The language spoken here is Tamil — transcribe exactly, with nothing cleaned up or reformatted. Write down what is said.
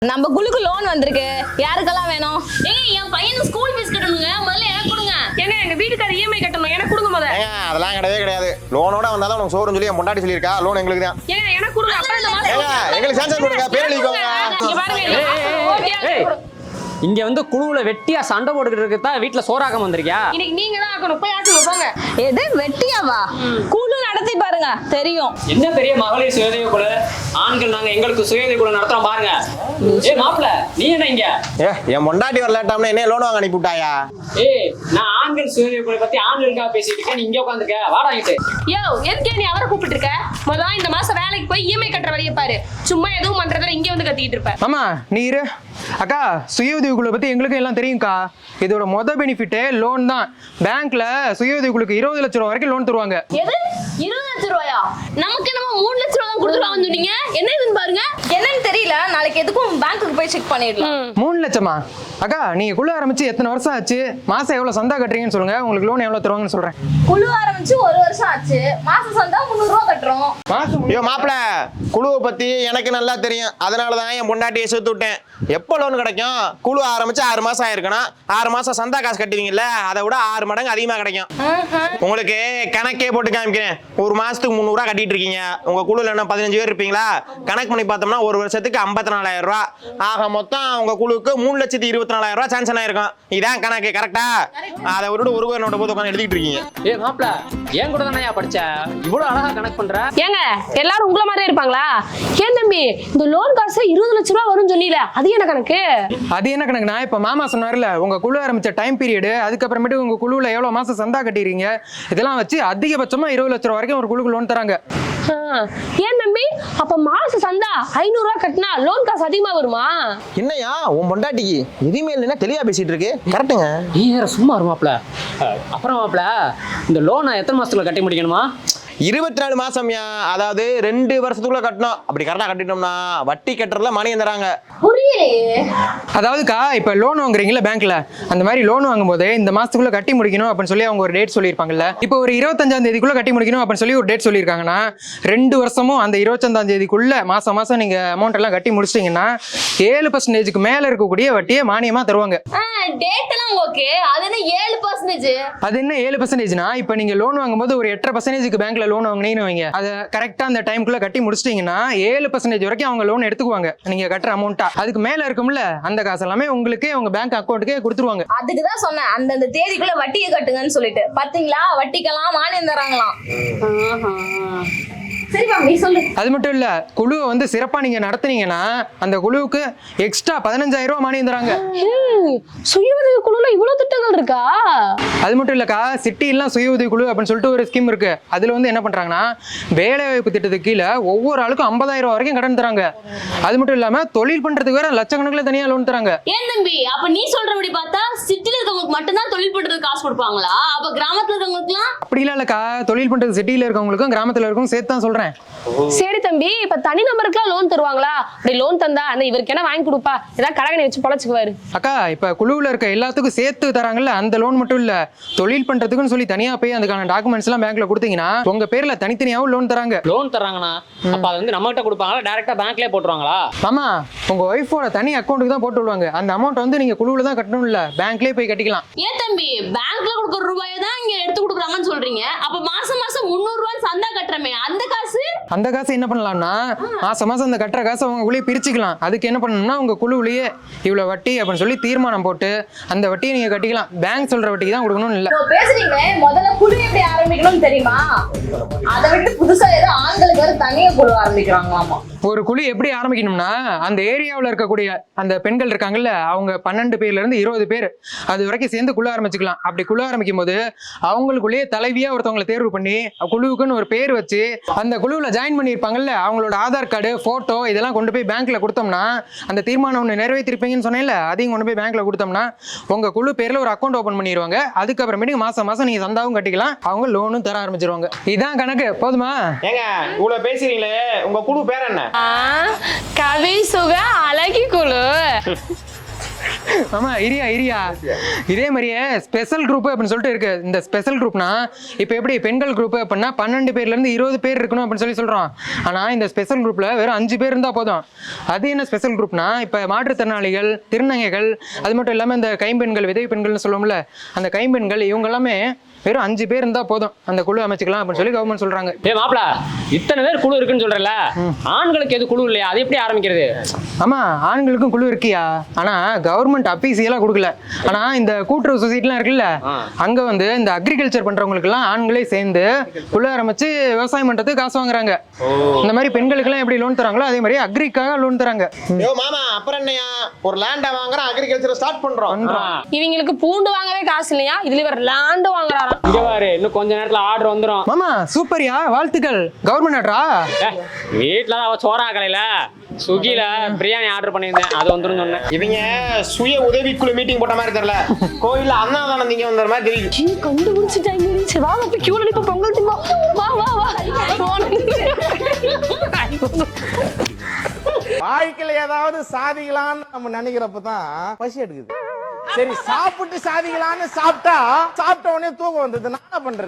நம்ம குழுக்கு லோன் வந்திருக்கு. யாருக்கெல்லாம் வேணும்? ஏய் என் பையனுக்கு ஸ்கூல் ஃபீஸ் கட்டணுங்க. முதல்ல எனக்கு கொடுங்க. ஏங்க எங்க வீட்டுக்கார இஎம்ஐ கட்டணும். எனக்கு கொடுங்க முதல்ல. ஏங்க அதெல்லாம் கிடையவே கிடையாது. லோனோட வந்தாலும் உங்களுக்கு சோறுன்னு சொல்லி என் பொண்டாட்டி சொல்லியிருக்கா. லோன் எங்களுக்கு தான். ஏங்க எனக்கு கொடுங்க. அப்ப இந்த மாசம் ஏங்க எங்களுக்கு சான்ஸ் கொடுங்க. பேர் எழுதிக்கோங்க. இங்க பாருங்க. ஏய் இங்க வந்து குழுவுல வெட்டியா சண்டை போட்டுக்கிட்டு இருக்கு தான் வீட்டுல சோறாக்கம் வந்திருக்கியா? இன்னைக்கு நீங்க தான் ஆக்கணும். போய் ஆக்குங்க போங்க. எது வெட்டியாவா? குழு நடத்தி பாருங்க தெரியும். என்ன பெரிய மகளிர் சுயதேவ குழு, ஆண்கள் நாங்க எங்களுக்கு சுயதேவ குழு நடத்துறோம் பாருங்க. ஏய் மாப்ள நீ என்ன இங்க? ஏ என் பொண்டாட்டி வரலாட்டாம்னா என்ன லோன் வாங்க அனுப்பிவிட்டாயா? ஏய் நான் ஆண்கள் சுயதேவ குழு பத்தி ஆண்களுக்காக பேசிட்டு இருக்கேன். நீ இங்க உட்காந்துருக்க. வாடா இங்கிட்டு. யோ எதுக்கே நீ அவரை கூப்பிட்டு இருக்க? முதல்ல இந்த மாசம் வேலைக்கு போய் இஎம்ஐ கட்டுற வழியை பாரு. சும்மா எதுவும் பண்றதுல இங்க வந்து கத்திக்கிட்டு இருப்ப. ஆமா நீ இரு. அக்கா சுய உதவிக்குழு பத்தி எங்களுக்கு எல்லாம் தெரியும்க்கா. இதோட மொத பெனிஃபிட்டே லோன் தான். பேங்க்ல சுய உதவிக்குழுக்கு இருபது லட்சம் ரூபா வரைக்கும் லோன் தருவாங்க. எது இருபது லட்சம் ரூபாயா? நமக்கு நம்ம மூணு லட்சம் ரூபா தான் கொடுத்துருவாங்கன்னு சொன்னீங்க. என்ன இதுன்னு பாருங்க. என்னன்னு தெரியல. நாளைக்கு எதுக்கும் பேங்க்குக்கு போய் செக் பண்ணிடலாம். மூணு லட்சமா? அக்கா நீங்க குழு ஆரம்பிச்சு எத்தனை வருஷம் ஆச்சு? மாசம் எவ்வளவு சந்தா கட்டுறீங்கன்னு சொல்லுங்க. உங்களுக்கு லோன் எவ்வளவு தருவாங்கன்னு சொல்றேன். குழு ஆரம்பிச்சு ஒரு வருஷம் ஆச்சு. மாசம் சந்தா முந்நூறு ரூபா கட்டுறோம். மாசம் ஐயோ மாப்பிள குழுவை பத்தி எனக்கு நல்லா தெரியும். அதனாலதான் என் பொண்டாட்டியை சேர்த்து விட்டேன். எப்போ லோன் கிடைக்கும்? குழு ஆரம்பிச்சு ஆறு மாசம் ஆயிருக்கணும். ஆறு மாசம் சந்தா காசு கட்டுவீங்கல்ல, அதை விட ஆறு மடங்கு அதிகமா கிடைக்கும். உங்களுக்கு கணக்கே போட்டு காமிக்கிறேன். ஒரு மாசத்துக்கு முந்நூறு ரூபா கட்டிட்டு இருக்கீங்க. உங்க குழுல என்ன பதினஞ்சு பேர் இருப்பீங்களா? கணக்கு பண்ணி பார்த்தோம்னா ஒரு வருஷத்துக்கு ஐம்பத்தி நாலாயிரம் ரூபா ஆக மொத்தம் உங்க குழுவுக்கு மூணு லட்சத்தி இருபத்தி நாலாயிரம் ரூபா சான்சன் ஆயிருக்கும். இதான் கணக்கு கரெக்டா? அதை விட்டு ஒரு நோட்டை போட்டு உட்காந்து எழுதிட்டு இருக்கீங்க. ஏய் மாப்ள ஏன் கூட தானே படிச்ச? இவ்வளவு அழகா கணக்கு பண்ற. ஏங்க எல்லாரும் உங்கள மாதிரியே இருப்பாங்களா? ஏன் தம்பி இந்த லோன் காசு இருபது லட்சம் ரூபா வரும்னு சொன்னீல, அது என்ன கணக்கு? அது என்ன கணக்குனா, இப்ப மாமா சொன்னார்ல உங்க குழு ஆரம்பிச்ச டைம் பீரியடு, அதுக்கப்புறமேட்டு உங்க குழுல எவ்வளவு மாசம் சந்தா கட்டிடுறீங்க, இதெல்லாம் வச்சு அதிகபட்சமா இருபது லட்சம் ரூபா வரைக்கும் ஒரு குழுக்கு லோன் தராங்க. ஏன் தம்பி அப்ப மாச சந்தா ஐநூறு ரூபா கட்டினா லோன் காசு அதிகமா வருமா? என்னையா உன் பொண்டாட்டிக்கு எதுவுமே இல்லைன்னா தெளிவா பேசிட்டு இருக்கு. கரெக்டுங்க. நீ வேற சும்மா இரு மாப்ள. அப்புறம் மாப்ள இந்த லோனை எத்தனை மாசத்துல கட்டி முடிக்கணுமா? இருபத்தி நாலு மாசம்யா. அதாவது ரெண்டு வருஷத்துக்குள்ள கட்டணும். அப்படி கரெக்டா கட்டிட்டோம்னா வட்டி கட்டுறதுல மானியம் தராங்க. புரியலையே. அதாவதுக்கா இப்ப லோன் வாங்குறீங்களா பேங்க்ல, அந்த மாதிரி லோன் வாங்கும் போது இந்த மாசத்துக்குள்ள கட்டி முடிக்கணும் அப்படின்னு சொல்லி அவங்க ஒரு டேட் சொல்லியிருப்பாங்கல்ல. இப்போ ஒரு இருபத்தஞ்சாம் தேதிக்குள்ள கட்டி முடிக்கணும் அப்படின்னு சொல்லி ஒரு டேட் சொல்லியிருக்காங்கன்னா, ரெண்டு வருஷமும் அந்த இருபத்தஞ்சாம் தேதிக்குள்ள மாசம் மாசம் நீங்க அமௌண்ட் எல்லாம் கட்டி முடிச்சிட்டீங்கன்னா ஏழு பர்சன்டேஜுக்கு மேல இருக்கக்கூடிய வட்டியை மானியமா தருவாங்க. டேட் எல்லாம் ஓகே. அது என்ன ஏழு பர்சன்டேஜ்? அது என்ன ஏழு பர்சன்டேஜ்னா, இப்ப நீங்க லோன் வாங்கும்போது ஒரு எட்டரை பர்சன்டேஜுக்கு பேங்க்ல லோன் வாங்கினீங்கன்னு வைங்க, அதை கரெக்டா அந்த டைம்குள்ள கட்டி முடிச்சிட்டீங்கன்னா ஏழு பர்சன்டேஜ் வரைக்கும் அவங்க லோன் எடுத்துக்குவாங்க நீங்க கட்டுற அமௌண்ட்டா. அதுக்கு மேல இருக்கும்ல அந்த காசு எல்லாமே உங்களுக்கு உங்க பேங்க் அக்கௌண்ட்டுக்கே கொடுத்துருவாங்க. அதுக்குதான் சொன்னேன் அந்தந்த தேதிக்குள்ள வட்டியை கட்டுங்கன்னு சொல்லிட்டு. பாத்தீங்களா, வட்டிக்கெல்லாம் மானியம் தராங்களாம். சரிப்பா நீ சொல்லு. அது மட்டும் இல்ல, குழுவை வந்து சிறப்பா நீங்க நடத்துனீங்கன்னா அந்த குழுவுக்கு எக்ஸ்ட்ரா பதினஞ்சாயிரம் ரூபாய் மானியம் தராங்க. சுய உதவி குழுல இவ்வளவு திட்டங்கள் இருக்கா? அது மட்டும் இல்லக்கா, சிட்டி எல்லாம் சுய உதவி குழு அப்படின்னு சொல்லிட்டு ஒரு ஸ்கீம் இருக்கு. அதுல வந்து என்ன பண்றாங்கன்னா, வேலை வாய்ப்பு திட்டத்துக்கு கீழே ஒவ்வொரு ஆளுக்கும் ஐம்பதாயிரம் ரூபாய் வரைக்கும் கடன் தராங்க. அது மட்டும் இல்லாம தொழில் பண்றதுக்கு வேற லட்சக்கணக்கில் தனியா லோன் தராங்க. ஏன் தம்பி அப்ப நீ சொல்றபடி பார்த்தா சிட்டில இருக்கவங்களுக்கு மட்டும்தான் தொழில் பண்றதுக்கு காசு கொடுப்பாங்களா? அப்ப கிராமத்துல இருக்கவங்களுக்குலாம் அப்படிலாம் இல்லக்கா, தொழில் பண்றது சிட்டியில இருக்கவங்களுக்கும் கிராமத்துல இருக்கவங்களுக்கும் சேர்த்து தான் சொல்றேன். சரி தம்பி, இப்ப தனி நபருக்குலாம் லோன் தருவாங்களா? அப்படி லோன் தந்தா அந்த இவருக்கு என்ன வாங்கி கொடுப்பா, ஏதாவது கடகனை வச்சு பொழைச்சுக்குவாரு. அக்கா இப்ப குழுவுல இருக்க எல்லாத்துக்கும் சேர்த்து தராங்கல்ல, அந்த லோன் மட்டும் இல்ல, தொழில் பண்றதுக்குன்னு சொல்லி தனியா போய் அதுக்கான டாக்குமெண்ட்ஸ் எல்லாம் பேங்க்ல கொடுத்தீங்கன்னா உங்க பேர்ல தனித்தனியாவும் லோன் தராங்க. லோன் தராங்கண்ணா, அப்ப அது வந்து நம்ம கிட்ட கொடுப்பாங்களா டைரக்டா பேங்க்லயே போட்டுருவாங்களா? ஆமா, உங்க ஒய்ஃபோட தனி அக்கௌண்ட்டுக்கு தான் போட்டு விடுவாங்க. அந்த அமௌண்ட் வந்து நீங்க குழுவுல தான் கட்டணும், இல்ல பேங்க்லயே போய் கட்டிக்கலாம். ஏன் தம்பி பேங்க்ல கொடுக்குற ரூபாயை தான் இங்க எடுத்து கொடுக்குறாங்கன்னு சொல்றீங்க? அப்ப மாசம் மாசம் முந்நூறு ரூபாய் சந்தா கட்டுறமே, அந்த காசு அந்த காசு என்ன பண்ணலாம்னா, மாசம் மாசம் அந்த கட்டுற காசை உங்களுக்குள்ளேயே பிரிச்சுக்கலாம். அதுக்கு என்ன பண்ணணும்னா, உங்க குழுவிலேயே இவ்வளவு வட்டி அப்படின்னு சொல்லி தீர்மானம் போட்டு அந்த வட்டியை நீங்க கட்டிக்கலாம். பேங்க் சொல்ற வட்டிக்கு தான் கொடுக்கணும்னு இல்ல. பேசுறீங்களே, முதல்ல குழு எப்படி ஆரம்பிக்கணும்னு தெரியுமா? அதை விட்டு புதுசா ஏதோ ஆண்களுக்கு வேற தனியா குழு ஆரம்பிக்கிறாங்களாமா. ஒரு குழு எப்படி ஆரம்பிக்கணும்னா, அந்த ஏரியாவில் இருக்கக்கூடிய அந்த பெண்கள் இருக்காங்கல்ல, அவங்க பன்னெண்டு பேர்ல இருந்து இருபது பேர் அது வரைக்கும் சேர்ந்து குழு ஆரம்பிச்சுக்கலாம். அப்படி குழு ஆரம்பிக்கும் போது அவங்களுக்குள்ளேயே தலைவியா ஒருத்தவங்களை தேர்வு பண்ணி குழுவுக்குன்னு ஒரு பேர் வச்சு அந்த குழுவில் ஜாயின் பண்ணியிருப்பாங்கல்ல, அவங்களோட ஆதார் கார்டு, போட்டோ இதெல்லாம் கொண்டு போய் பேங்க்ல கொடுத்தோம்னா, அந்த தீர்மானம் ஒன்று நிறைவேற்றிருப்பீங்கன்னு சொன்னேன்ல, அதையும் கொண்டு போய் பேங்க்ல கொடுத்தோம்னா உங்க குழு பேர்ல ஒரு அக்கௌண்ட் ஓபன் பண்ணிடுவாங்க. அதுக்கப்புறமேட்டு மாசம் மாசம் நீங்க சந்தாவும் கட்டிக்கலாம், அவங்க லோனும் தர ஆரம்பிச்சிருவாங்க. இதான் கணக்கு. போதுமா? ஏங்க இவ்வளவு பேசுறீங்களே, உங்க குழு பேர் என்ன? கவி சுக அழகி குழு. ஆமா இரியா இரியா இதே மாதிரியே ஸ்பெஷல் குரூப் அப்படின்னு சொல்லிட்டு இருக்கு. இந்த ஸ்பெஷல் குரூப்னா இப்போ எப்படி பெண்கள் குரூப் அப்படின்னா பன்னெண்டு பேர்ல இருந்து இருபது பேர் இருக்கணும் அப்படின்னு சொல்லி சொல்றோம். ஆனா இந்த ஸ்பெஷல் குரூப்ல வெறும் அஞ்சு பேர் இருந்தா போதும். அது என்ன ஸ்பெஷல் குரூப்னா இப்ப மாற்றுத்திறனாளிகள், திருநங்கைகள், அது மட்டும் இல்லாம இந்த கைம்பெண்கள், விதவை பெண்கள்னு சொல்லுவோம்ல, அந்த கைம்பெண்கள் இவங்க எல்லாமே வெறும் அஞ்சு பேர் இருந்தா போதும் அந்த குழு அமைச்சுக்கலாம் அப்படின்னு சொல்லி கவர்மெண்ட் சொல்றாங்க. ஏ மாப்பிள, இத்தனை பேர் குழு இருக்குன்னு சொல்றல, ஆண்களுக்கு எது குழு இல்லையா? அது எப்படி ஆரம்பிக்கிறது? ஆமா ஆண்களுக்கும் குழு இருக்கியா, ஆனா கவர்மெண்ட் அபிஷியலா கொடுக்கல. ஆனா இந்த கூட்டுறவு சொசைட்டிலாம் இருக்குல்ல, அங்க வந்து இந்த அக்ரிகல்ச்சர் பண்றவங்களுக்கு எல்லாம் ஆண்களே சேர்ந்து குழு ஆரம்பிச்சு விவசாயம் பண்றதுக்கு காசு வாங்குறாங்க. இந்த மாதிரி பெண்களுக்கு எல்லாம் எப்படி லோன் தராங்களோ அதே மாதிரி அக்ரிக்காக லோன் தராங்க. யோ மாமா, அப்புறம் என்னையா ஒரு லேண்டை வாங்குறோம், அக்ரிகல்ச்சர் ஸ்டார்ட் பண்றோம். இவங்களுக்கு பூண்டு வாங்கவே காசு இல்லையா, இதுல இவர் லேண்ட் வாங்குறாராம். இங்க பாரு, இன்னும் கொஞ்ச நேரத்துல ஆர்டர் வந்துரும். மாமா சூப்பர்யா, வாழ்த்துக்கள். கவர்மெண்ட் ஆர்டரா? வீட்டுல தான் அவ சோறா கலையில ஸ்விக்கில பிரியாணி ஆர்டர் பண்ணியிருந்தேன், அது வந்துரும் சொன்னேன். இவங்க சுய உதவிக்குழு மீட்டிங் போட்ட மாதிரி தெரியல, கோயில்ல அன்னதானம் நீங்க வந்த மாதிரி தெரியுது. கண்டுபிடிச்சிட்டாங்க. சரி வா போய் கியூல நிப்ப பொங்கல் திம்பா. வா வா வா. வாழ்க்கையில ஏதாவது சாதிக்கலான்னு நம்ம நினைக்கிறப்பதான் பசி எடுக்குது. சரி சாப்பிட்டு சாதிக்கலான்னு சாப்பிட்டா சாப்பிட்ட உடனே தூக்கம் வந்தது. நான் என்ன பண்றது?